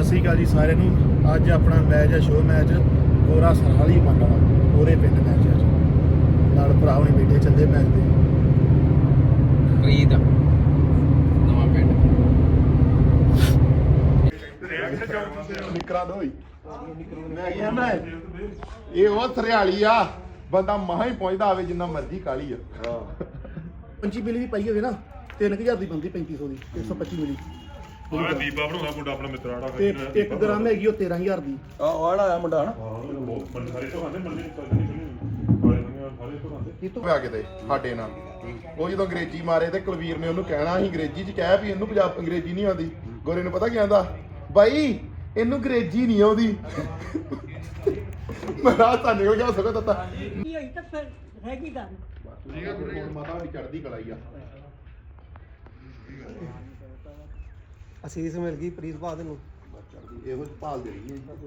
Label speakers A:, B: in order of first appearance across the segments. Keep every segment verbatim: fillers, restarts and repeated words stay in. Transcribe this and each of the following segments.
A: ਸ਼੍ਰੀ ਅਕਾਲ ਜੀ ਸਾਰਿਆਂ ਨੂੰ। ਅੱਜ ਆਪਣਾ ਮੈਚ ਹੈ, ਸ਼ੋਅ ਮੈਚ ਗੋਰਾ ਸਰਹਾਲੀ ਮੰਡਲ ਉਹਦੇ ਪਿੰਡ ਮੈਚ ਹੈ। ਨਾਲ ਭਰਾ ਹੁਣੇ ਬੈਠੇ ਚੱਲੇ ਮੈਚ ਦੇ।
B: ਫਰੀਦ ਨਵਾਂ ਪਿੰਡ
C: ਨਿਕਰਾਂ ਦੋਈ ਮੈਂ ਕਿਹਾ ਮੈਂ ਇਹ ਉਹ ਥਰਿਆਲੀ ਆ ਬੰਦਾ ਮਹਾ ਹੀ ਪਹੁੰਚਦਾ ਆਵੇ ਜਿੰਨਾ ਮਰਜ਼ੀ ਕਾਲੀ ਆ।
A: ਪੰਚੀ ਮਿਲੀ ਵੀ ਪਾਈ ਹੋਵੇ ਨਾ ਤਿੰਨ ਹਜ਼ਾਰ ਦੀ ਬੰਦੀ ਪੈਂਤੀ ਸੌ ਦੀ ਇੱਕ ਸੌ ਪੱਚੀ ਮਿਲੀ
D: ਆਹ ਦੀਪਾ ਬਣਾਉਣਾ ਮੁੰਡਾ ਆਪਣਾ ਮਿੱਤਰ ਆੜਾ
A: ਤੇ ਇੱਕ ਗ੍ਰਾਮ ਹੈਗੀ ਉਹ ਤੇਰਾਂ ਹਜ਼ਾਰ ਦੀ।
E: ਆ ਆੜਾ ਆਇਆ ਮੁੰਡਾ ਹਨਾ
D: ਬੰਦੇ ਸਾਰੇ ਤੋਂ ਖਾਂਦੇ ਮੰਨੇ ਸਾਰੇ ਤੋਂ ਖਾਂਦੇ
C: ਕਿਤੋਂ ਪਿਆ ਕਿਤੇ ਸਾਡੇ ਨਾਲ ਉਹ ਜਦੋਂ ਅੰਗਰੇਜ਼ੀ ਮਾਰੇ ਤੇ ਕੁਲਵੀਰ ਨੇ ਉਹਨੂੰ ਕਹਿਣਾ ਸੀ ਅੰਗਰੇਜ਼ੀ ਚ ਕਹਿ ਵੀ ਇਹਨੂੰ ਪੰਜਾਬ ਅੰਗਰੇਜ਼ੀ ਨਹੀਂ ਆਉਂਦੀ। ਗੋਰੇ ਨੂੰ ਪਤਾ ਕੀ ਆਂਦਾ, ਬਾਈ ਇਹਨੂੰ ਅੰਗਰੇਜ਼ੀ ਨਹੀਂ ਆਉਂਦੀ। ਮੈਂ ਰਾਤ ਤਾਂ ਨਿਕਲ ਗਿਆ ਸਕਦਾ ਤਾਂ
F: ਕੀ ਹੋਈ ਤਾਂ ਫਿਰ ਰਹਿ ਗਈ ਗੱਲ।
C: ਠੀਕ ਆ ਗੁਰੂ ਮਾਤਾ ਦੀ ਚੜ੍ਹਦੀ ਕਲਾ ਹੀ ਆ।
A: ਅਸੀਸ ਮਿਲ ਗਈ ਪ੍ਰੀਤ ਬਾਦ ਨੂੰ
C: ਇਹੋ ਜਿਹੀ ਭਾਲ ਦੇ ਰਹੀ ਹੈ।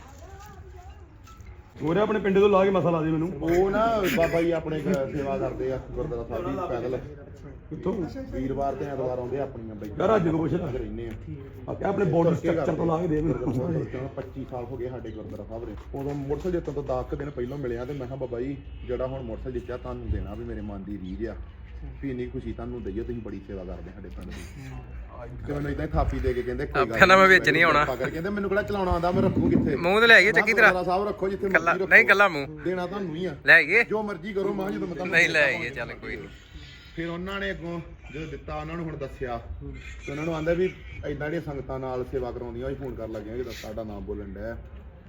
E: ਗੋਰੇ ਆਪਣੇ ਪਿੰਡੇ ਤੋਂ ਲਾ ਕੇ ਮਸਾ ਲਾ ਦੇ ਮੈਨੂੰ।
C: ਉਹ ਨਾ ਬਾਬਾ ਜੀ ਆਪਣੇ ਕ- ਸੇਵਾ ਕਰਦੇ ਆ ਗੁਰਦੁਆਰਾ ਸਾਹਿਬ ਦੀ ਪੈਦਲ।
E: ਕਿੱਥੋਂ
C: ਵੀਰਵਾਰ ਤੇ ਐਤਵਾਰ ਆਉਂਦੇ ਆ ਆਪਣੀਆਂ ਬਈਆਂ।
E: ਯਾਰ ਅੱਜ ਕੋ ਪੁੱਛਦਾ
C: ਰਹਿੰਦੇ ਆ
E: ਆ ਕਿ ਆਪਣੇ ਬੋਡੀ ਸਟਰਕਚਰ ਤੋਂ ਲਾ ਕੇ ਦੇ ਮੈਨੂੰ।
C: ਪੱਚੀ ਸਾਲ ਹੋ ਗਏ ਸਾਡੇ ਗੁਰਦੁਆਰਾ ਸਾਹਿਬ ਦੇ। ਉਦੋਂ ਮੋਟਰਸਾਈਕਲ ਜਿੱਤਣ ਤੋਂ ਦਸ ਕੁ ਦਿਨ ਪਹਿਲਾਂ ਮਿਲਿਆ ਤੇ ਮੈਂ ਕਿਹਾ ਬਾਬਾ ਜੀ ਜਿਹੜਾ ਹੁਣ ਮੋਟਰਸਾਈਕਲ ਜਿੱਤਿਆ ਤੁਹਾਨੂੰ ਦੇਣਾ ਵੀ ਮੇਰੇ ਮਨ ਦੀ ਰੀਝ ਆ ਵੀ ਇੰਨੀ ਖੁਸ਼ੀ ਤੁਹਾਨੂੰ ਦਈਏ, ਤੁਸੀਂ ਬੜੀ ਸੇਵਾ ਕਰਦੇ ਸਾਡੇ ਪਿੰਡ ਦੀ। ਤੇ ਮੈਨੂੰ ਇਦਾਂ ਹੀ ਥਾਪੀ ਦੇ ਕੇ ਕਹਿੰਦੇ ਕੋਈ ਗੱਲ
B: ਪਹਿਲਾਂ ਮੈਂ ਵਿੱਚ ਨਹੀਂ ਆਉਣਾ।
C: ਕਹਿੰਦੇ ਮੈਨੂੰ ਕਿਹੜਾ ਚਲਾਉਣਾ ਆਉਂਦਾ, ਮੈਂ ਰੱਖੂ ਕਿੱਥੇ
B: ਮੂੰਹ ਤੇ ਲੈ ਆਈਏ ਚੰਗੀ ਤਰ੍ਹਾਂ।
C: ਗੁਰਦੁਆਰਾ ਸਾਹਿਬ ਰੱਖੋ ਜਿੱਥੇ
B: ਕੱਲਾ
C: ਮਰਜ਼ੀ ਰੱਖੋ।
B: ਨਹੀਂ ਕੱਲਾ ਮੂੰਹ
C: ਦੇਣਾ ਤੁਹਾਨੂੰ ਹੀ ਆ,
B: ਲੈ ਆਈਏ।
C: ਜੋ ਮਰਜ਼ੀ ਕਰੋ। ਮੈਂ ਜਦੋਂ ਮੈਂ ਤੁਹਾਨੂੰ
B: ਨਹੀਂ ਲੈ ਆਈਏ, ਚੱਲ ਕੋਈ ਨਹੀਂ।
C: ਫਿਰ ਉਹਨਾਂ ਨੇ ਅੱਗੋਂ ਜਦੋਂ ਦਿੱਤਾ ਉਹਨਾਂ ਨੂੰ ਹੁਣ ਦੱਸਿਆ ਤੇ ਉਹਨਾਂ ਨੂੰ ਆਂਦਾ ਵੀ ਇਦਾਂ ਜਿਹੜੀਆਂ ਸੰਗਤਾਂ ਨਾਲ ਸੇਵਾ ਕਰਾਉਂਦੀਆਂ ਉਹ ਫੋਨ ਕਰਨ ਲੱਗੀਆਂ ਕਿ ਸਾਡਾ ਨਾਮ ਬੋਲਣ ਡਿਆ।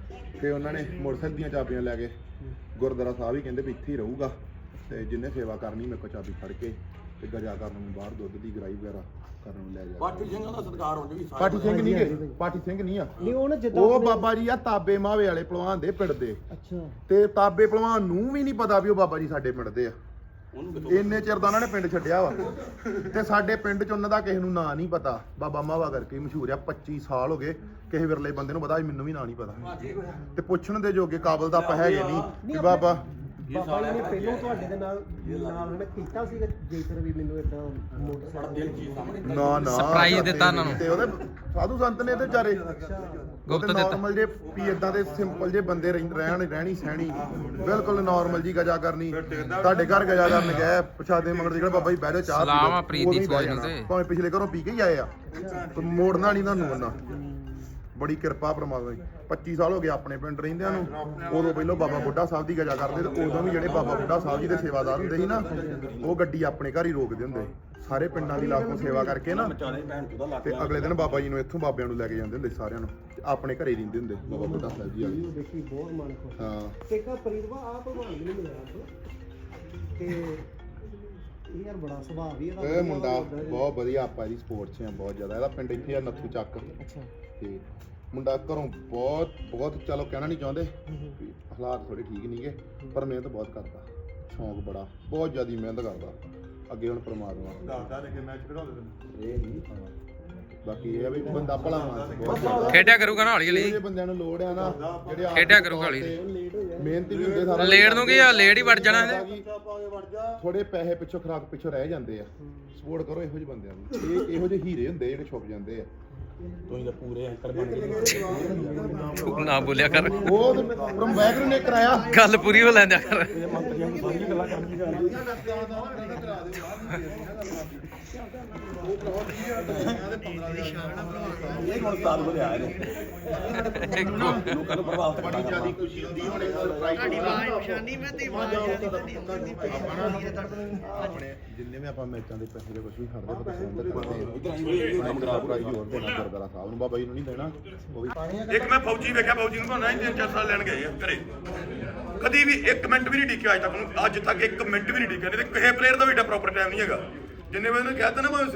C: ਤੇ ਉਹਨਾਂ ਨੇ ਮੋਟਰਸਾਈਕਲ ਦੀਆਂ ਚਾਬੀਆਂ ਲੈ ਕੇ ਗੁਰਦੁਆਰਾ ਸਾਹਿਬ ਹੀ ਕਹਿੰਦੇ ਵੀ ਇੱਥੇ ਹੀ ਰਹੂਗਾ ਤੇ ਜਿੰਨੇ ਸੇਵਾ ਕਰਨੀ ਮੇਰੇ ਕੋਲ ਚਾਬੀ ਫੜ ਕੇ ਤੇ ਗਜਾ ਕਰਨ ਨੂੰ ਬਾਹਰ ਦੁੱਧ ਦੀ ਗਰਾਈ ਵਗੈਰਾ ਕਰਨ ਨੂੰ ਲੈ ਜਾ।
E: ਪਾਠੀ ਸਿੰਘਾਂ ਦਾ ਸਤਿਕਾਰ ਹੋ ਜੀ।
C: ਪਾਠੀ ਸਿੰਘ ਨਹੀਂ ਗੇ, ਪਾਠੀ ਸਿੰਘ ਨਹੀਂ ਆ।
A: ਨਹੀਂ ਉਹ ਨਾ ਜਿੱਦਾਂ
C: ਉਹ ਬਾਬਾ ਜੀ ਆ ਤਾਬੇ ਮਾਵੇ ਵਾਲੇ ਪਹਿਲਵਾਨ ਦੇ ਪਿੰਡ ਦੇ।
A: ਅੱਛਾ
C: ਤੇ ਤਾਬੇ ਪਹਿਲਵਾਨ ਨੂੰ ਵੀ ਨਹੀਂ ਪਤਾ ਵੀ ਉਹ ਬਾਬਾ ਜੀ ਸਾਡੇ ਪਿੰਡ ਦੇ ਆ। ਇੰਨੇ ਚਿਰ ਦਾ ਉਹਨਾਂ ਨੇ ਪਿੰਡ ਛੱਡਿਆ ਵਾ ਤੇ ਸਾਡੇ ਪਿੰਡ ਚ ਉਹਨਾਂ ਦਾ ਕਿਸੇ ਨੂੰ ਨਾਂ ਨਹੀਂ ਪਤਾ। ਬਾਬਾ ਮਾਵਾ ਕਰਕੇ ਮਸ਼ਹੂਰ ਆ। ਪੱਚੀ ਸਾਲ ਹੋ ਗਏ ਕਿਸੇ ਵਿਰਲੇ ਬੰਦੇ ਨੂੰ ਪਤਾ, ਮੈਨੂੰ ਵੀ ਨਾਂ ਨਹੀਂ ਪਤਾ ਤੇ ਪੁੱਛਣ ਦੇ ਜੋਗੇ ਕਾਬਲ ਤਾਂ ਆਪਾਂ ਹੈਗੇ ਨਹੀਂ ਕਿ ਬਾਬਾ
A: ਬਾਬਾ ਜੀ ਨੇ ਪਹਿਲਾਂ ਤੁਹਾਡੇ ਦੇ ਨਾਲ ਨਾਲ ਉਹਨੇ ਕੀਤਾ ਸੀ ਜੇਕਰ ਵੀ ਮੈਨੂੰ ਇਦਾਂ ਮੋਟਰਸਾਈਕਲ
C: ਨਾ ਨਾ
B: ਸਰਪ੍ਰਾਈਜ਼ ਦਿੱਤਾ ਉਹਨਾਂ ਨੂੰ।
C: ਤੇ ਉਹਦੇ ਸਾਧੂ ਸੰਤ ਨੇ ਤੇ ਵਿਚਾਰੇ
B: ਗੁਪਤ
C: ਗੁਪਤ
B: ਦਿੱਤਾ।
C: ਨਾਰਮਲ ਜੇ ਵੀ ਇਦਾਂ ਦੇ ਸਿੰਪਲ ਜੇ ਬੰਦੇ ਰਹਿਣ ਰਹਿਣ- ਰਹਿਣੀ ਸਹਿਣੀ ਬਿਲਕੁਲ ਨਾਰਮਲ ਜੀ ਗਜਾ ਕਰਨੀ। ਤੁਹਾਡੇ ਘਰ ਗਜਾ ਕਰਨ ਗਏ ਪ੍ਰਸ਼ਾਦੇ ਮੰਗਣ ਜਿਹੜਾ ਬਾਬਾ ਜੀ ਬਹਿ ਜਾਓ ਚਾਹ
B: ਸਲਾਮ ਆ
C: ਪੀ
B: ਪ੍ਰੀਤ
C: ਲਓ,
B: ਦੀ
C: ਉਦੋਂ ਹੀ ਬਹਿ
B: ਸੋਚ ਨੂੰ
C: ਜਾਣਾ।
B: ਤੇ।
C: ਭਾਵੇਂ ਪਿਛਲੇ ਘਰੋਂ ਪੀ ਕੇ ਹੀ ਆਏ ਆ ਤੇ ਮੋੜਨਾ ਨਹੀਂ ਤੁਹਾਨੂੰ ਉਹਨਾਂ। ਬੜੀ ਕਿਰਪਾ ਪ੍ਰਮਾਤਮਾ ਦੀ। ਪੱਚੀ ਸਾਲ ਹੋ ਗਏ ਆਪਣੇ ਪਿੰਡ ਰਹਿੰਦਿਆਂ ਨੂੰ। ਉਦੋਂ ਪਹਿਲਾਂ ਬਾਬਾ ਬੁੱਢਾ ਸਾਹਿਬ ਦੀ ਗਜਾ ਕਰਦੇ ਤੇ ਉਦੋਂ ਵੀ ਜਿਹੜੇ ਬਾਬਾ ਬੁੱਢਾ ਸਾਹਿਬ ਜੀ ਦੇ ਸੇਵਾਦਾਰ ਹੁੰਦੇ ਸੀ ਨਾ ਉਹ ਗੱਡੀ ਆਪਣੇ ਘਰ ਹੀ ਰੋਕਦੇ ਹੁੰਦੇ ਸਾਰੇ ਪਿੰਡਾਂ ਦੀ ਲਾਗੋਂ ਸੇਵਾ ਕਰਕੇ ਨਾ। ਤੇ ਅਗਲੇ ਦਿਨ ਬਾਬਾ ਜੀ ਨੂੰ ਇੱਥੋਂ ਬਾਬਿਆਂ ਨੂੰ ਲੈ ਕੇ ਜਾਂਦੇ ਹੁੰਦੇ ਸਾਰਿਆਂ ਨੂੰ ਤੇ ਆਪਣੇ ਘਰੇ ਰਹਿੰਦੇ ਹੁੰਦੇ ਬਾਬਾ ਬੁੱਢਾ ਸਾਹਿਬ ਜੀ ਵਾਲੇ।
A: ਦੇਖੀ ਬਹੁਤ ਮਨ ਖੁਸ਼।
C: ਹਾਂ
A: ਤੇ ਕਾ ਪ੍ਰੀਤਵਾ ਆ ਭਗਵਾਨ ਵੀ ਨਹੀਂ ਮਿਲਿਆ ਅੱਜ ਤੇ ਇਹ ਯਾਰ ਬੜਾ ਸੁਭਾਅ ਵੀ ਇਹਦਾ।
C: ਇਹ ਮੁੰਡਾ ਬਹੁਤ ਵਧੀਆ। ਆਪਾਂ ਇਹਦੀ ਸਪੋਰਟ 'ਚ ਆ ਬਹੁਤ ਜ਼ਿਆਦਾ। ਇਹਦਾ ਪਿੰਡ ਇੱਥੇ ਆ ਨੱਥੂ ਚੱਕ।
A: ਅੱਛਾ
C: ਤੇ ਮੁੰਡਾ ਘਰੋਂ ਬਹੁਤ ਬਹੁਤ ਚਲੋ ਕਹਿਣਾ ਨਹੀਂ ਚਾਹੁੰਦੇ ਵੀ ਹਾਲਾਤ ਥੋੜੇ ਠੀਕ ਨਹੀਂਗੇ ਪਰ ਮਿਹਨਤ ਬਹੁਤ ਕਰਦਾ। ਸ਼ੌਂਕ ਬੜਾ ਬਹੁਤ ਜ਼ਿਆਦਾ ਮਿਹਨਤ ਕਰਦਾ। ਅੱਗੇ ਹੁਣ ਪਰਮਾਤਮਾ
D: ਦੱਸਦਾ ਨੇ ਕਿ ਮੈਚ ਖਿਡਾਉਂਦੇ ਤੈਨੂੰ
C: ਇਹ ਨਹੀਂ ਬਾਕੀ ਇਹ ਆ ਵੀ ਬੰਦਾ ਭਲਾ ਮਾਨਸ ਬਹੁਤ ਜ਼ਿਆਦਾ।
B: ਖੇਡਿਆ ਕਰੂਗਾ ਨਾ ਹੌਲੀ ਹੌਲੀ।
C: ਜਿਹੜੇ ਬੰਦਿਆਂ ਨੂੰ ਲੋੜ ਆ ਨਾ ਜਿਹੜੇ ਆਪ
B: ਖੇਡਿਆ ਕਰੂਗਾ ਹੌਲੀ।
C: ਮਿਹਨਤੀ ਵੀ ਹੁੰਦੇ ਸਾਰਾ।
B: ਲੇਟ ਨੂੰ ਕੀ ਆ, ਲੇਟ ਹੀ ਵੜ ਜਾਣਾ ਇਹਨੇ।
C: ਥੋੜੇ ਪੈਸੇ ਪਿੱਛੋਂ ਖਰਾਕ ਪਿੱਛੋਂ ਰਹਿ ਜਾਂਦੇ ਆ। ਸਪੋਰਟ ਕਰੋ ਇਹੋ ਜਿਹੇ ਬੰਦਿਆਂ ਨੂੰ। ਇਹ ਇਹੋ ਜਿਹੇ ਹੀਰੇ ਹੁੰਦੇ ਜਿਹੜੇ ਛੁਪ ਜਾਂਦੇ ਆ।
E: ਤੁਸੀਂ ਤਾਂ ਪੂਰੇ ਅੰਕਲ ਬਣ ਗਏ।
B: ਤੂੰ ਨਾ ਬੋਲਿਆ ਕਰ,
C: ਉਹ ਪਰਮ ਵੈਗਰੂ ਨੇ ਕਰਾਇਆ।
B: ਗੱਲ ਪੂਰੀ ਹੋ ਲੈਂਦਿਆ ਕਰ।
E: ਮੰਤਰੀਆਂ ਨੂੰ ਸਾਰੀਆਂ ਗੱਲਾਂ ਕਰਨੀਆਂ ਇਹ ਹੁਣ ਸਾਲ ਹੋ ਰਿਹਾ ਨੇ ਲੋਕਾਂ ਨੂੰ ਪ੍ਰਭਾਵਿਤ
C: ਬੜੀ ਜ਼ਿਆਦਾ ਖੁਸ਼ੀ ਹੁੰਦੀ ਹੁਣ ਇਹ ਸਰਪ੍ਰਾਈਜ਼ ਤੁਹਾਡੀ ਆਵਾਜ਼ ਨਿਸ਼ਾਨੀ ਮੈਂ ਤੇ ਆਪਣੇ ਜਿੰਨੇ ਵੀ ਆਪਾਂ ਮੈਚਾਂ ਦੇ ਪੈਸੇ ਦੇ ਕੁਝ ਵੀ ਖੜਦੇ ਪਤਾ ਸੰਬੰਧ ਕਰਦੇ ਆ ਇਧਰ ਪ੍ਰਾਈਜ਼ ਹੋਰ ਦੇਣਾ ਗੁਰਦੁਆਰਾ ਸਾਹਿਬ ਨੂੰ ਬਾਬਾ ਜੀ ਨੂੰ ਨਹੀਂ ਦੇਣਾ ਉਹ ਵੀ।
D: ਇੱਕ ਮੈਂ ਫੌਜੀ ਵੇਖਿਆ, ਫੌਜੀ ਨੂੰ ਭਾਣਾ ਤਿੰਨ ਚਾਰ ਸਾਲ ਲੈਣ ਗਏ ਆ ਘਰੇ। ਕਦੀ ਵੀ ਇੱਕ ਮਿੰਟ ਵੀ ਨਹੀਂ ਟਿਕਿਆ ਅੱਜ ਤੱਕ ਨੂੰ। ਅੱਜ ਤੱਕ ਇੱਕ ਮਿੰਟ ਵੀ ਨਹੀਂ ਟਿਕਿਆ। ਨਹੀਂ ਤੇ ਕਿਸੇ ਪਲੇਅਰ ਦਾ ਵੀ ਏਡਾ ਪ੍ਰੋਪਰ ਟਾਈਮ ਨਹੀਂ ਹੈਗਾ ਜਿੰਨੇ ਵਜੇ ਨੂੰ ਕਹਿ ਦਿੱਤਾ ਨਾ।